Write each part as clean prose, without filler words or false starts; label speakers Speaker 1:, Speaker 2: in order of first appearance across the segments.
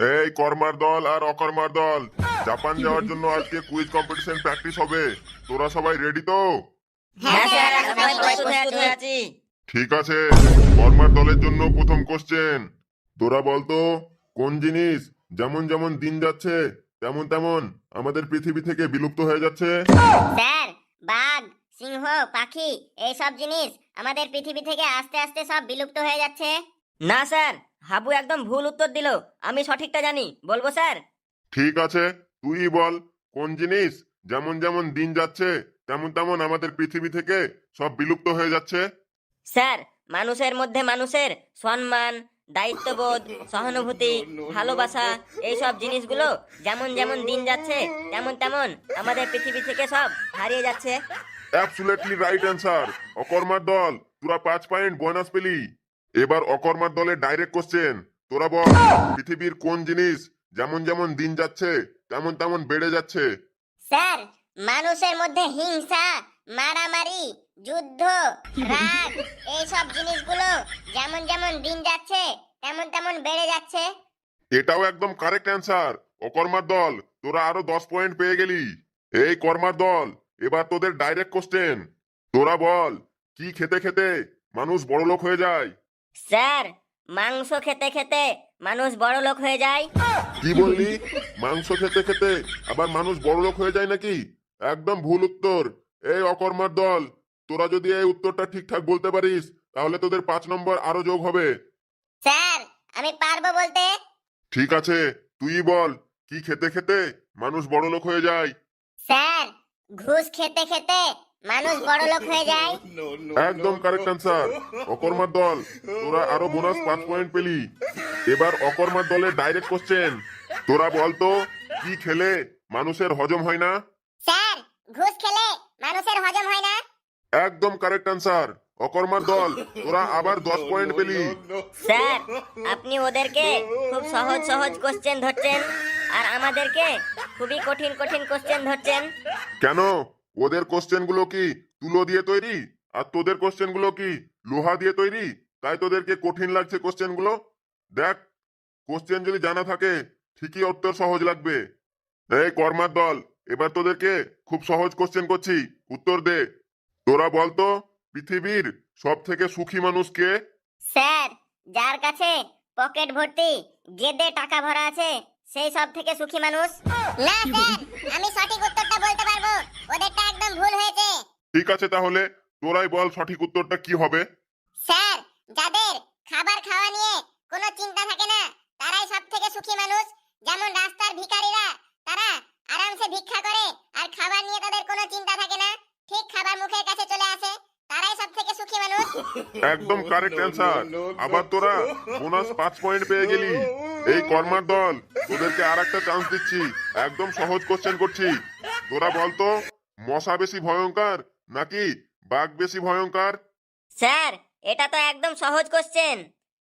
Speaker 1: এই কর্মার দল আর অকর্মার দল, জাপান যাওয়ার জন্য আজকে কুইজ কম্পিটিশন প্র্যাকটিস হবে। তোরা সবাই রেডি তো?
Speaker 2: হ্যাঁ স্যার, আমরা প্রস্তুত হয়ে আছি।
Speaker 1: ঠিক আছে, কর্মার দলের জন্য প্রথম কোশ্চেন। তোরা বলতো কোন জিনিস যেমন যেমন দিন যাচ্ছে তেমন তেমন আমাদের পৃথিবী থেকে বিলুপ্ত হয়ে যাচ্ছে?
Speaker 2: স্যার, বাঘ, সিংহ, পাখি এইসব জিনিস আমাদের পৃথিবী থেকে আস্তে আস্তে সব বিলুপ্ত হয়ে যাচ্ছে।
Speaker 3: না স্যার, হাবু একদম ভুল উত্তর দিল। আমি সঠিকটা জানি, বলবো স্যার?
Speaker 1: ঠিক আছে, তুই বল কোন জিনিস যেমন যেমন দিন যাচ্ছে তেমন তেমন আমাদের পৃথিবী থেকে সব বিলুপ্ত হয়ে যাচ্ছে?
Speaker 3: স্যার, মানুষের মধ্যে মানুষের সম্মান, দায়িত্ববোধ, সহানুভূতি, ভালোবাসা এইসব জিনিসগুলো যেমন যেমন দিন যাচ্ছে তেমন তেমন আমাদের পৃথিবী থেকে সব হারিয়ে যাচ্ছে।
Speaker 1: Absolutely right answer. অকর্মার দল, তোরা 5 পয়েন্ট বোনাস পেলি। এবার অকর্মার দলের ডাইরেক্ট কোশ্চেন। তোরা বল পৃথিবীর কোন জিনিস যেমন যেমন দিন যাচ্ছে তেমন তেমন বেড়ে যাচ্ছে?
Speaker 2: স্যার, মানুষের মধ্যে হিংসা, মারামারি, যুদ্ধ, রাগ এইসব জিনিসগুলো যেমন যেমন দিন যাচ্ছে তেমন তেমন বেড়ে যাচ্ছে।
Speaker 1: এটাও একদম কারেক্ট অ্যান্সার। অকর্মার দল, তোরা আরো 10 পয়েন্ট পেয়ে গেলি। এই কর্মার দল, এবার তোদের ডাইরেক্ট কোশ্চেন। তোরা বল কি খেতে খেতে মানুষ বড়লোক হয়ে যায়?
Speaker 3: স্যার, মাংস খেতে খেতে মানুষ বড় লোক হয়ে যায়।
Speaker 1: কি বললি? মাংস খেতে খেতে আবার মানুষ বড়লোক হয়ে যায় নাকি? একদম ভুল উত্তর। এই অকর্মার দল, তোরা যদি এই উত্তরটা ঠিকঠাক বলতে পারিস তাহলে তোদের 5 নম্বর আরো যোগ হবে।
Speaker 2: স্যার, আমি পারবো বলতে।
Speaker 1: ঠিক আছে, তুই বল কি খেতে খেতে মানুষ বড়লোক হয়ে যায়?
Speaker 2: স্যার, ঘুষ খেতে খেতে মানুষ বড় লোক হয়ে যায়।
Speaker 1: একদম কারেক্ট অ্যান্সার। অকর্মার দল, তোরা আরো বোনাস 5 পয়েন্ট পেলি। এবার অকর্মার দলের ডাইরেক্ট কোশ্চেন। তোরা বলতো কি খেলে মানুষের হজম হয় না?
Speaker 2: স্যার, ঘুষ খেলে মানুষের হজম হয় না।
Speaker 1: একদম কারেক্ট অ্যান্সার। অকর্মার দল, তোরা আবার 10 পয়েন্ট পেলি।
Speaker 3: স্যার, আপনি ওদেরকে খুব সহজ সহজ কোশ্চেন ধরছেন আর আমাদেরকে খুবই কঠিন কঠিন কোশ্চেন ধরছেন।
Speaker 1: কেন? ওদের কোশ্চেন গুলো কি তুলো দিয়ে তৈরি আর তোদের কোশ্চেন গুলো কি লোহা দিয়ে তৈরি, তাই তোদেরকে কঠিন লাগছে কোশ্চেন গুলো? দেখ, কোশ্চেন যদি জানা থাকে ঠিকই উত্তর সহজ লাগবে। এই কর্মার দল, এবার তোদেরকে খুব সহজ কোশ্চেন করছি, উত্তর দে। তোরা বলতো পৃথিবীর সব থেকে সুখী মানুষ কে?
Speaker 2: স্যার, যার কাছে পকেট ভর্তি গেদে টাকা ভরা আছে সেই সব থেকে সুখী মানুষ। না স্যার, আমি সঠিক উত্তরটা বলতে পারবো, ওদেরটা একদম ভুল হয়েছে।
Speaker 1: ঠিক আছে, তাহলে তোরাই বল সঠিক উত্তরটা কি হবে।
Speaker 2: স্যার, যাদের খাবার খাওয়া নিয়ে কোনো চিন্তা থাকে না তারাই সব থেকে সুখী মানুষ। যেমন রাস্তার ভিখারিরা, তারা আরামসে ভিক্ষা করে আর খাবার নিয়ে তাদের কোনো চিন্তা থাকে না, ঠিক খাবার মুখের কাছে চলে আসে, তারাই সব থেকে সুখী মানুষ।
Speaker 1: একদম কারেক্ট অ্যান্সার। আবার তোরা বোনাস 5 পয়েন্ট পেয়ে গেলি। এই কর্মার দল, তোদেরকে আর একটা চান্স দিচ্ছি, একদম সহজ কোশ্চেন করছি। তোরা বলতো মশা বেশি ভয়ঙ্কর নাকি বাঘ বেশি ভয়ঙ্কর?
Speaker 3: স্যার, এটা তো একদম সহজ কোশ্চেন।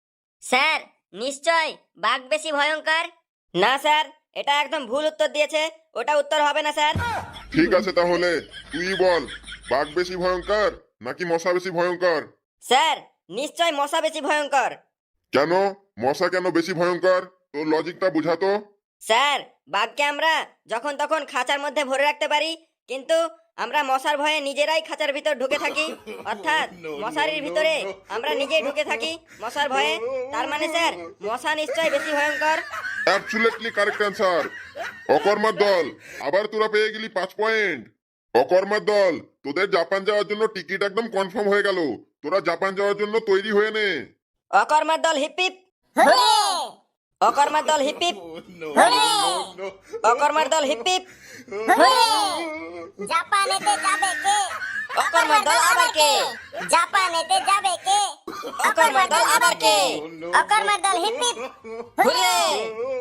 Speaker 3: স্যার, নিশ্চয় বাঘ বেশি ভয়ঙ্কর। না স্যার, এটা একদম ভুল উত্তর দিয়েছে, ওটা উত্তর হবে না স্যার।
Speaker 1: ঠিক আছে, তাহলে তুই বল বাঘ বেশি ভয়ঙ্কর নাকি মশা বেশি ভয়ঙ্কর?
Speaker 3: স্যার, নিশ্চয় মশা বেশি ভয়ঙ্কর।
Speaker 1: কেন? মশা কেন বেশি ভয়ঙ্কর? তোর লজিকটা বুঝাতো।
Speaker 3: স্যার, বাঘকে আমরা যখন তখন খাঁচার মধ্যে ভরে রাখতে পারি, কিন্তু আমরা মশার ভয়ে নিজেরাই খাঁচার ভিতর ঢুকে থাকি, অর্থাৎ মশারির ভিতরে আমরা নিজেই ঢুকে থাকি মশার ভয়ে। তার মানে স্যার, মশা নিশ্চয় বেশি ভয়ঙ্কর।
Speaker 1: Absolutely correct answer. অকর্মার দল, আবার তোরা পেয়ে গেলি 5 পয়েন্ট। অকর্মার দল, তোদের জাপান যাওয়ার জন্য টিকিট একদম কনফার্ম হয়ে গেল। তোরা জাপান যাওয়ার জন্য তৈরি হয়ে নে।
Speaker 3: অকর্মার দল হিপিপ,
Speaker 2: হুররে!
Speaker 3: অকর্মার দল হিপিপ,
Speaker 2: হুররে!
Speaker 3: অকর্মার দল হিপিপ।
Speaker 2: হুররে! জাপানেতে যাবে কে?
Speaker 3: অকর্মার দল আবার কে?
Speaker 2: জাপানেতে যাবে কে?
Speaker 3: অকর্মার দল আবার কে?
Speaker 2: অকর্মার দল হিপ হিপ।
Speaker 3: হুররে!